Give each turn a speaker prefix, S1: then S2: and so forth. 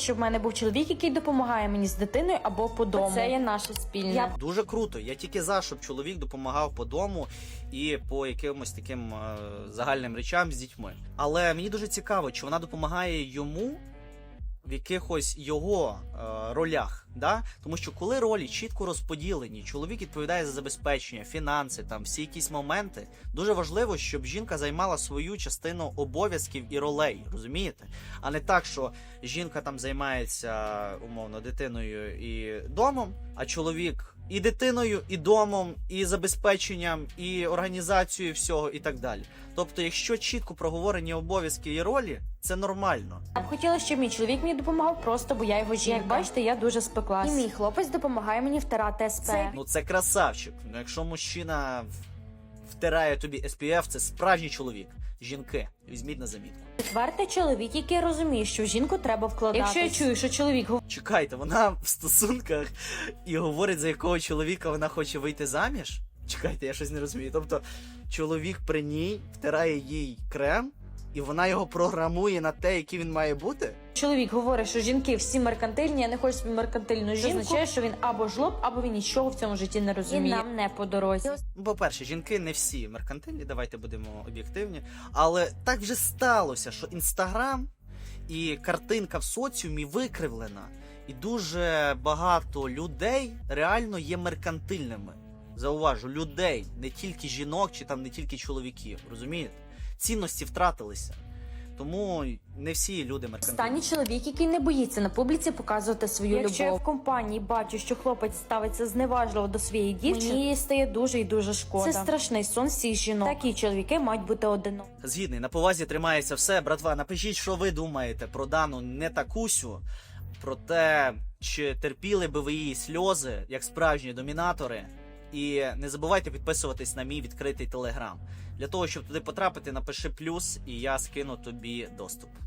S1: щоб в мене був чоловік, який допомагає мені з дитиною або по дому. Це є наше спільне.
S2: Дуже круто. Я тільки за, щоб чоловік допомагав по дому і по якимось таким загальним речам з дітьми. Але мені дуже цікаво, чи вона допомагає йому в якихось його ролях, да? Тому що коли ролі чітко розподілені, чоловік відповідає за забезпечення, фінанси, там всі якісь моменти, дуже важливо, щоб жінка займала свою частину обов'язків і ролей, розумієте? А не так, що жінка там займається, умовно, дитиною і домом, а чоловік і дитиною, і домом, і забезпеченням, і організацією всього, і так далі. Тобто, якщо чітко проговорені обов'язки і ролі, це нормально.
S1: Я б хотіла, щоб мій чоловік мені допомагав просто, бо я його жінка. Як бачите, я дуже спеклась. І мій хлопець допомагає мені втирати СП.
S2: Ну це красавчик. Ну якщо мужчина втирає тобі SPF, це справжній чоловік. Жінки, візьміть на замітку.
S1: Четвертий чоловік, який розуміє, що в жінку треба вкладатись. Якщо я чую, що чоловік
S2: Чекайте, вона в стосунках і говорить, за якого чоловіка вона хоче вийти заміж? Чекайте, я щось не розумію. Тобто, чоловік при ній втирає їй крем, і вона його програмує на те, який він має бути?
S1: Чоловік говорить, що жінки всі меркантильні, я не хочу собі меркантильну жінку. Це означає, що він або жлоб, або він нічого в цьому житті не розуміє. І нам не по дорозі.
S2: Ну, по-перше, жінки не всі меркантильні, давайте будемо об'єктивні. Але так вже сталося, що Інстаграм і картинка в соціумі викривлена. І дуже багато людей реально є меркантильними. Зауважу, людей, не тільки жінок чи там не тільки чоловіків, розумієте? Цінності втратилися. Тому не всі люди меркантильні.
S1: Останній чоловік, який не боїться на публіці показувати свою любов. Якщо я в компанії бачу, що хлопець ставиться зневажливо до своєї дівчини, мені стає дуже і дуже шкода. Це страшний сон всіх жінок. Такі чоловіки мають бути одинокі.
S2: Згідний, на повазі тримається все. Братва, напишіть, що ви думаєте про дану не такусю, про те, чи терпіли би ви її сльози, як справжні домінатори. І не забувайте підписуватись на мій відкритий телеграм. Для того, щоб туди потрапити, напиши плюс, і я скину тобі доступ.